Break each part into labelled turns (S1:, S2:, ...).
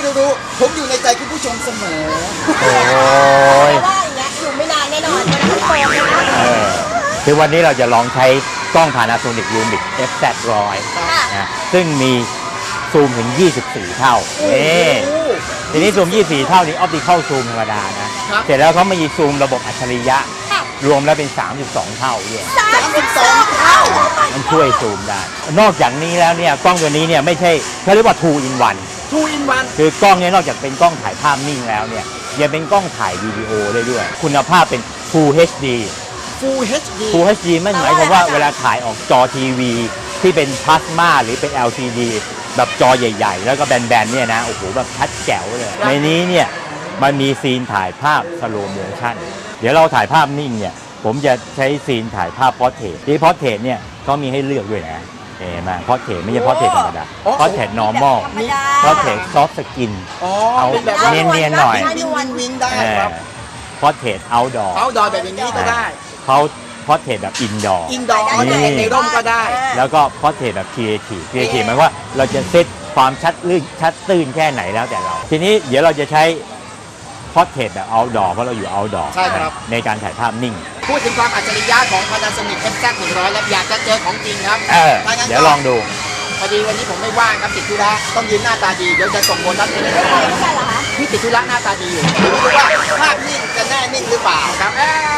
S1: รู้ผมอยู่ในใจคุณผู้ชมเสมอ
S2: โอ้ย
S3: ว่าอย่างเงี้ยอยู่ไม่นานแน่นอนเพราะนั้นโฟมนะ
S2: คือวันนี้เราจะลองใช้กล้อง Panasonic Lumix FZ100 นะซึ่งมีซูมถึง24 เท่าทีนี้ซูม24 เท่านี้ออปติคอลซูมธรรมดานะเสร็จแล้วเขามามีซูมระบบอัจฉริยะรวมแล้วเป็น32 เท่าด้วย
S1: 32 เท่า
S2: มันช่วยซูมได้นอกจากนี้แล้วเนี่ยกล้องตัวนี้เนี่ยไม่ใช่เขาเรียกว่า 2 in 1 คือกล้องนี้นอกจากเป็นกล้องถ่ายภาพนิ่งแล้วเนี่ยยังเป็นกล้องถ่ายวิดีโอได้ด้วยคุณภาพเป็น Full HD Full HD ไม่หมายความว่าเวลาถ่ายออกจอทีวีที่เป็นพลาสมาหรือเป็น LCD แบบจอใหญ่ๆแล้วก็แบนๆเนี่ยนะโอ้โหแบบชัดแจ๋วเลยในนี้เนี่ยมันมีซีนถ่ายภาพสโลโมชั่นเดี๋ยวเราถ่ายภาพนิ่งเนี่ยผมจะใช้ซีนถ่ายภาพพอร์เทรตที่พอร์เทรตเนี่ยก็มีให้เลือกด้วยนะเห็นไหมพอร์เทรตไม่ใช่พอร์เทรตธรรมดาพอร์เทรต normal พอร์เทรต soft skin เอาเนียนๆหน่อย
S1: วิงได้ครับ
S2: พอร์เทรต outdoor
S1: แบบนี้ก็ได้
S2: เขาพอร์เทรตแบบ indoor
S1: ในร่มก็ได้
S2: แล้วก็พอร์เทรตแบบ creative หมายว่าเราจะเซตความชัดตื้นแค่ไหนแล้วแต่เราทีนี้เดี๋ยวเราจะใช้พอร์เทรตแบบ outdoor เพราะเราอยู่ outdoor
S1: ใช่ครับ
S2: ในการถ่ายภาพนิ่ง
S1: พูดถึงความอัจฉริยะของ Panasonic FZ100 แล้วอยากจะเจอของจริงครับ
S2: เดี๋ยวลองดู
S1: พอดีวันนี้ผมไม่ว่างครับติดธุระต้องยืนหน้าตาดีเดี๋ยวจะส่งโบนัสให้เลยพี่ติดธุระหน้าตาดีอยู่ไม่รู้ว่าภาพนิ่งจะแน่นิ่งหรือเปล่าครับ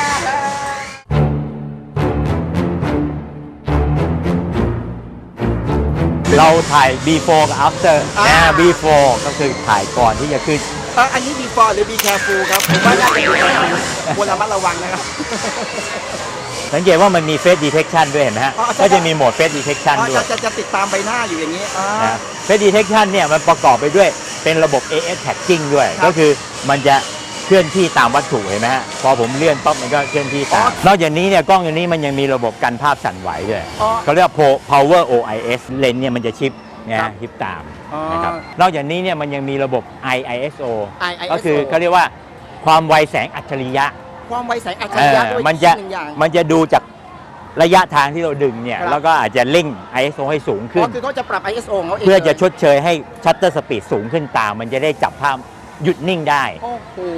S2: เราถ่าย before กับ after before ก็คือถ่ายก่อนที่จะขึ้น
S1: อันนี้ before หรือ be careful ครับผมว่าน่าจะ be careful ควรระมัดระวังนะครับ
S2: สังเกตว่ามันมี face detection ด้วยเห็นไหมฮะก็จะมีโหมด face detection ด้วย
S1: จะติดตามใบหน้าอยู่อย่างนี้
S2: face detection เนี่ยมันประกอบไปด้วยเป็นระบบ AF tagging ด้วยก็คือมันจะเคลื่อนที่ตามวัตถุเห็นไหมฮะพอผมเลื่อนปั๊บมันก็เคลื่อนที่ตามนอกจากนี้เนี่ยกล้องตัวนี้มันยังมีระบบกันภาพสั่นไหวด้วยเขาเรียกว่า power OIS เลนส์เนี่ยมันจะชิปชิปตามนะครับนอกจากนี้เนี่ยมันยังมีระบบ IISO ก็คือเขาเรียกว่าความไวแสงอัจฉริยะด้วยมันจะดูจากระยะทางที่เราดึงเนี่ยแล้วก็อาจจะเร่ง ISO ให้สูงขึ้น
S1: คือเขาจะปรับ ISO ของเขาเอง
S2: เพื่อจะชดเชยให้ชัตเตอร์สปีดสูงขึ้นตามมันจะได้จับภาพหยุดนิ่งได้
S1: โอ้โห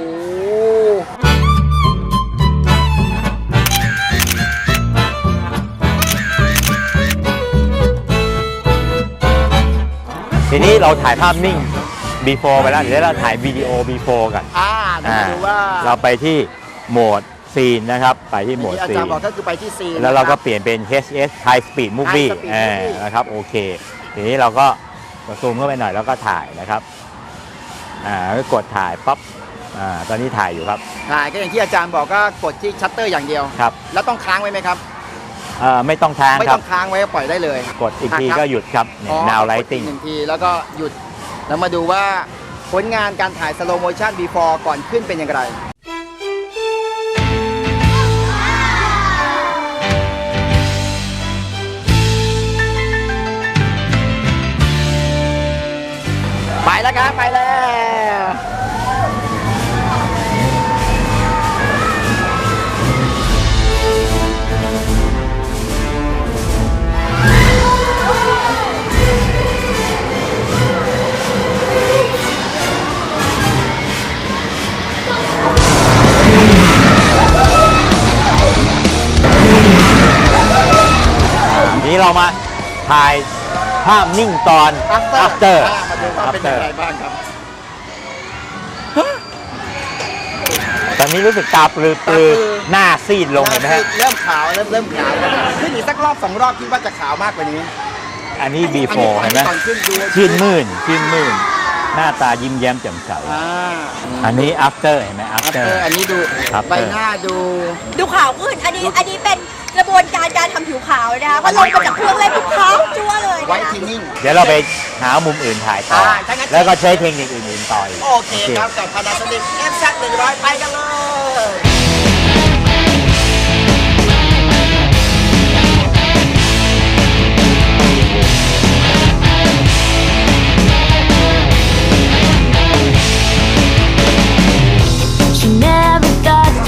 S2: ทีนี้เราถ่ายภาพนิ่ง before ไปแล้วเดี๋ยวเราถ่ายวิดีโอ before กัน
S1: ดูว่า
S2: เราไปที่โหมดซีนนะครับไปที่โหมดซีน
S1: อาจารย์บอกก็คือไปที่ซีน
S2: แล้วเราก็เปลี่ยนเป็น HS High Speed Movie นะครับโอเคทีนี้เราก็ซูมเข้าไปหน่อยแล้วก็ถ่ายนะครับก็กดถ่ายปั๊บตอนนี้ถ่ายอยู่ครับ
S1: ถ่ายก็อย่างที่อาจารย์บอกก็กดที่ชัตเตอร์อย่างเดียว
S2: ครับ
S1: แล้วต้องค้างไว้ไหมครับ
S2: ไม่ต้องค้างครับ
S1: ไม่ต้องค้างไว้ปล่อยได้เลย
S2: กดอีกทีก็หยุดครับ Now Lighting
S1: 1 ทีแล้วก็หยุดแล้วมาดูว่าผลงานการถ่าย Slow Motion Before ก่อนขึ้นเป็นอย่างไรไปแล้วครับไปแล้ว
S2: นี้เรามาถ่ายภาพนิ่งตอน after
S1: มาดูว่าเป็นยังไงบ้างครับ
S2: ตอนนี้รู้สึกตาปลือหน้าซีดลงเห็นไหมฮะ
S1: เริ่มขาวเริ่มขาวขึ้นอีกสักรอบ2 รอบคิดว่าจะขาวมากกว่านี้
S2: อันนี้ before เห็นไหมชื่นมื่นหน้าตายิ้มแย้มแจ่มใสอันนี้ after เห็นไหม after
S1: อันนี้ดูใบหน้า
S3: ดูขาวขึ้นอันนี้เป็นกระบวนการทำผิวขาวนะคะพอลงมาจากเครื่องเล่นขาวจั่วเลย
S1: ไว้ทีนิ่ง
S2: เดี๋ยวเราไปหามุมอื่นถ่ายต่อแล้วก็ใช้เทคนิคอื่นๆต่อ
S1: โอเคครับกับ Panasonic FZ100 ไปกันเลย
S4: She never thought that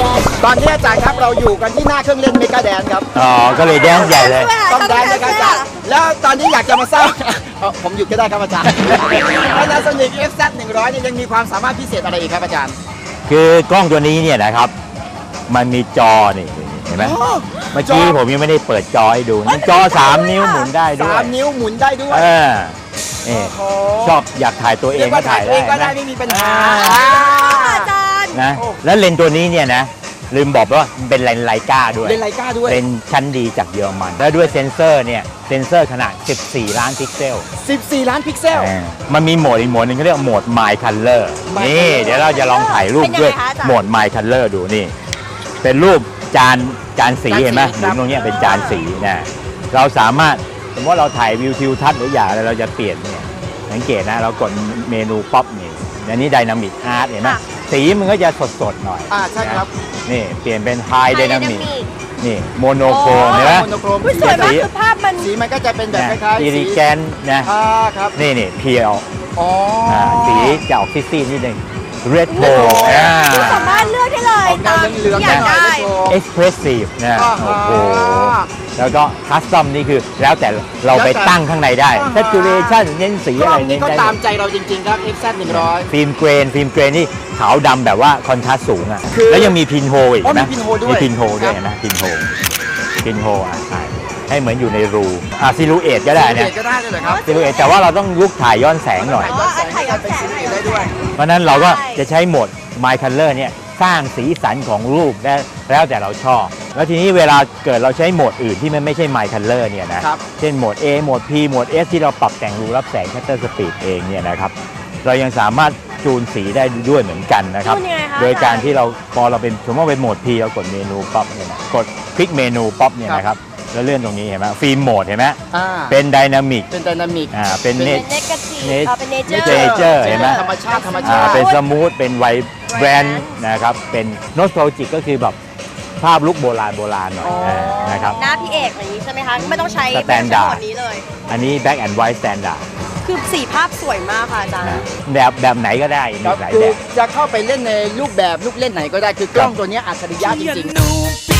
S1: ตอนนี้อาจารย์ครับเราอยู่กันที่หน้าเครื่องเล่นเมกาแดนครับ
S2: อ๋อก็เลยแดนซ์ใหญ่เลย
S1: ต้องแดนนะครับอาจารย์แล้วตอนนี้อยากจะมาทราบ ผมหยุดก็ได้ครับอาจารย์ Panasonic FZ100เนี่ยยังมีความสามารถพิเศษอะไรอีกครับอาจารย์
S2: คือกล้องตัวนี้เนี่ยนะครับ มันมีจอนี่เห็นไหมเมื่อกี้ผมยังไม่ได้เปิดจอให้ดูนี่จอ 3 นิ้วหมุนได้ด้วย
S1: 3 นิ้วหมุนได้ด้วย
S2: นี่
S1: โอ้โห
S2: ชอบอยากถ่ายตัวเอ
S1: เรีย
S2: ง
S1: ก
S2: ก็
S1: ว่าถ่า
S2: ถ่าย ย
S1: เองก็ได้
S2: ได้
S1: ไม่มีปัญหา
S3: อาจารย์
S2: นะแล้วเลนส์ตัวนี้เนี่ยนะลืมบอกว่ามันเป็นเลนส์ไลกาด้วย
S1: เล่นไลกาด้วย
S2: เป็นชั้นดีจากเยอรมัน แล้วด้วยเซนเซอร์เนี่ยเซนเซอร์ขนาด 14 ล้านพิกเซล
S1: 14 ล้านพิกเซล
S2: มันมีโหมดอีกโหมดหนึงเขาเรียกโหมด My Color
S1: My
S2: นี่
S1: Color
S2: เดี๋ยวเราจะลองถ่ายรูป
S3: เป็นยังไง
S2: ด้วย
S3: คะอาจารย์
S2: โหมด My Color ดูนี่ เป็นรูปจานสี
S1: จานสี
S2: เห็นไหม
S1: ค
S2: ห
S1: รับ
S2: มุนตรงเนี้ยเป็นจานสีนะเราสามารถสมมติว่าเราถ่ายวิวทิวทัศน์หรืออย่างอะไรเราจะเปลี่ยนเนี่ยสังเกตนะเรากดเมนูป๊อปนี่อันนี้ Dynamic Art เห็นไหมสีมันก็จะสดๆหน่อย
S1: ใช่ครับ
S2: นี่เปลี่ยนเป็น High Dynamic นี่โมโนโครม
S3: โอ้
S2: เห็นไหม
S1: โมโนโครม
S3: อุ๊ยสวยมากคือภาพมัน
S1: สีมันก็จะเป็นแบบคล้ายๆ
S2: อิริแกนนะ
S1: ครับ
S2: นี่เพียว
S1: อ๋อ
S2: สีจะออกซีดๆนิดนึง Red
S1: โอ้
S2: Tone
S1: โห
S3: คุณสามารถเลือกได้เลย
S1: ออกแนวเหลืองๆ
S3: อยาก
S1: หน่อย
S3: ได้
S1: นะโชว์
S2: Expressive นะ
S1: อ่า
S2: โอ้โห
S1: ฮะ
S2: แล้วก็ Custom นี่คือแล้วแต่เราไปตั้งข้างในได้
S1: อ่าฮะ
S2: Saturation เน้นสี
S1: กล้
S2: อะ
S1: อ
S2: ไรง
S1: นี้
S2: เน้น
S1: ก็
S2: ได้
S1: ตามใจเราจริงๆครับ FZ100
S2: ฟิล์มเกรนนี่ขาวดำแบบว่าคอนทราสต์สูงอ่ะ
S1: คือ
S2: แล้วยังมีพินโฮอีก
S1: อ๋อ
S2: เห็นไหม
S1: มี pinhole ด้วย
S2: มีพินโฮด้วย
S1: ครับ
S2: เห็นไหมพินโฮใช่ให้เหมือนอยู่ในรูซิลูเอตก็ได้เนี่ย
S1: ก็ได้เลยเหรอครับ
S2: ซิลูเอตแต่ว่าเราต้องลุกถ่ายย้อนแสงหน่อย
S1: ถ่ายย้อนแสงได้ด้วย
S2: เพราะฉะนั้นเราก็จะใช้โหมด My Color เนี่ยสร้างสีสันของรูปได้แล้วแต่เราชอบ แล้วทีนี้เวลาเกิดเราใช้โหมดอื่นที่มันไม่ใช่ My Color เนี่ยนะครับ เช่นโหมด A โหมด P โหมด S ที่เราปรับแต่งรูรับแสง Shutter Speed เองเนี่ยนะครับเรายังสามารถจูนสีได้ด้วยเหมือนกันนะครับ
S3: จูนยังไงคะ
S2: โดยการที่เราพอเราเป็นสมมติว่าเป็นโหมด P เรากดเมนูป๊อปเนี่ยนะกดคลิกเมนูป๊อปเนี่ยนะครับแล้วเลื่อนตรงนี้เห็นไหมฟิล์มโหมดเห็นไหม เป็นไดนามิก
S1: เป็นไดนามิก
S2: เป็น
S3: เป็น
S2: เน
S3: เนกาทีฟ
S2: Net-
S3: เป็นเนเจอ
S2: Nature
S3: ร์
S2: เห็นไหม
S1: ธรรมชาติธรรมชาติ
S2: เป็นสมูทเป็นไวแบรนด์นะครับเป็นโนสโตลจิกก็คือแบบภาพลุกโบราณหน่อย
S1: อ๋อ
S2: นะครับ
S3: หน้าพี่เอกอย่างนี้ใช่ไหมคะ ไม่ต้องใช้
S2: Standard
S3: หมดนี้เลย
S2: อันนี้ Black and White Standard
S3: คือสีภาพสวยมากค่ะอาจารย์
S2: นะแบบไหนก็ได้มี
S1: ครับ
S2: หลาย
S1: คื
S2: แบ
S1: อบ จะเข้าไปเล่นในรูปแบบลูกเล่นไหนก็ได้คือกล้องตัวเนี้ยอัจฉริยะจริงๆ